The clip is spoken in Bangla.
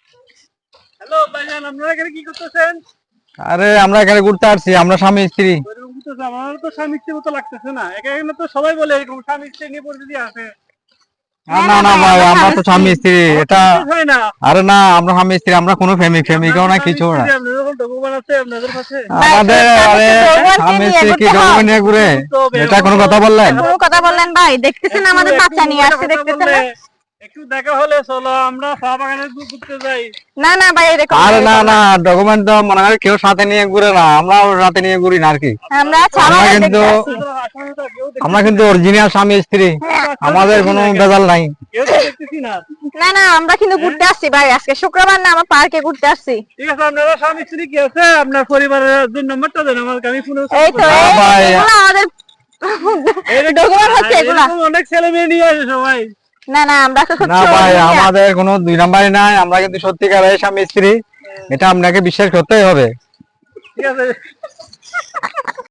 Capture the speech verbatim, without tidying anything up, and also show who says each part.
Speaker 1: হ্যালো ভাইজান, আপনারা এখানে কি করতেছেন?
Speaker 2: আরে আমরা এখানে ঘুরতে আসছি, আমরা স্বামী স্ত্রী।
Speaker 1: এরকম করতেছে, আমার তো স্বামী স্ত্রীর মতো লাগতেছে না। এখানে তো সবাই বলে এরকম স্বামী স্ত্রী নিয়ে পরিচিতি আছে।
Speaker 2: আর না না ভাই, আমরা তো স্বামী স্ত্রী।
Speaker 1: আমার তো
Speaker 2: এটা
Speaker 1: বিশ্বাস হয় না।
Speaker 2: আরে না, আমরা স্বামী স্ত্রী, আমরা কোনো প্রেমিক প্রেমিকাও না, কিছু না।
Speaker 1: আপনাদের যখন ডকুমেন্ট আছে আপনাদের কাছে?
Speaker 2: আমাদের আরে স্বামী স্ত্রী কি ডকুমেন্ট নিয়ে ঘুরে? এটা কোনো কথা বললেন?
Speaker 3: কোনো কথা বললেন ভাই? দেখতেছেন আমাদের বাচ্চা নিয়ে আসছে, দেখতেছেন না?
Speaker 1: একটু দেখা হলে চলো আমরা চা বাগানে ঘুরতে যাই।
Speaker 3: না না ভাই, এরকম
Speaker 2: আরে না না, ডকুমেন্ট তো মনে হয় কেউ সাথে নিয়ে ঘুরে না, আমরাও সাথে নিয়ে ঘুরি না আর কি।
Speaker 3: আমরা চা
Speaker 2: আমরা
Speaker 3: বাগান
Speaker 2: কিন্তু
Speaker 3: দেখতে আসি।
Speaker 2: আমরা কিন্তু অরিজিনাল স্বামী স্ত্রী, আমাদের কোনো ভেজাল নাই।
Speaker 1: কেউ তো দেখতেছি না।
Speaker 3: না না, আমরা কিন্তু ঘুরতে আসছি ভাই, আজকে শুক্রবার না, আমরা পার্কে ঘুরতে আসছি।
Speaker 1: ঠিক আছে, আপনারা স্বামী স্ত্রী কি আছে? আপনার পরিবারের দুই নম্বরটা দেন আমাকে, আমি ফোনে
Speaker 3: এই তো
Speaker 2: না
Speaker 3: এই-
Speaker 2: ভাই।
Speaker 3: এগুলো আমাদের ডকুমেন্ট হচ্ছে এগুলা।
Speaker 1: এরকম অনেক ছেলে মেয়ে নিয়ে আসে সবাই।
Speaker 3: না না, আমরা তো
Speaker 2: না
Speaker 3: সত্যি
Speaker 2: ভাই,
Speaker 3: original।
Speaker 2: আমাদের কোনো দুই নাম্বারই নাই, আমরা কিন্তু সত্যিকারের স্বামী স্ত্রী, এটা আপনাকে বিশ্বাস করতেই হবে।
Speaker 1: ঠিক আছে।